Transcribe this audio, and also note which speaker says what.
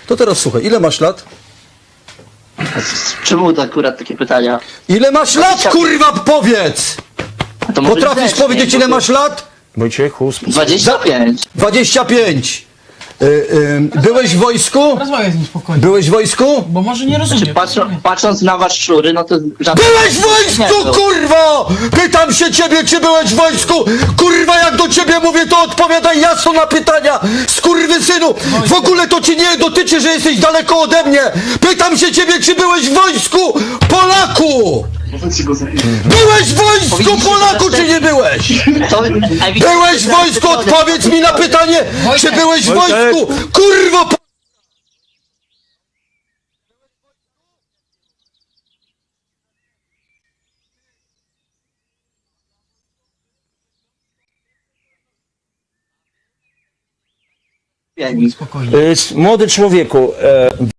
Speaker 1: To teraz słuchaj, ile masz lat?
Speaker 2: Czemu to akurat takie pytania?
Speaker 1: Ile masz lat, kurwa, powiedz!
Speaker 2: A to może
Speaker 1: Potrafisz
Speaker 2: grzecznie,
Speaker 1: powiedzieć, ile
Speaker 2: bo to-
Speaker 1: masz lat?
Speaker 3: Wojciechu, spokój.
Speaker 2: 25.
Speaker 1: 25. Byłeś w wojsku?
Speaker 4: Rozmawiaj z nim spokojnie,
Speaker 1: Byłeś w wojsku?
Speaker 4: bo może nie rozumie.
Speaker 2: Patrząc na was szczury, no to żadne...
Speaker 1: Byłeś w wojsku,
Speaker 2: Nie,
Speaker 1: kurwa! Pytam się ciebie, czy byłeś w wojsku! Kurwa, jak do ciebie mówię, to odpowiadaj jasno na pytania! Skurwysynu! W ogóle to ci nie dotyczy, że jesteś daleko ode mnie! Pytam się ciebie, czy byłeś w wojsku, Polaku! Byłeś w wojsku, Polaku, czy nie byłeś?
Speaker 2: To,
Speaker 1: Byłeś w wojsku, odpowiedz mi na pytanie, czy byłeś w wojsku, kurwo!
Speaker 4: Spokojnie.
Speaker 3: Młody człowieku,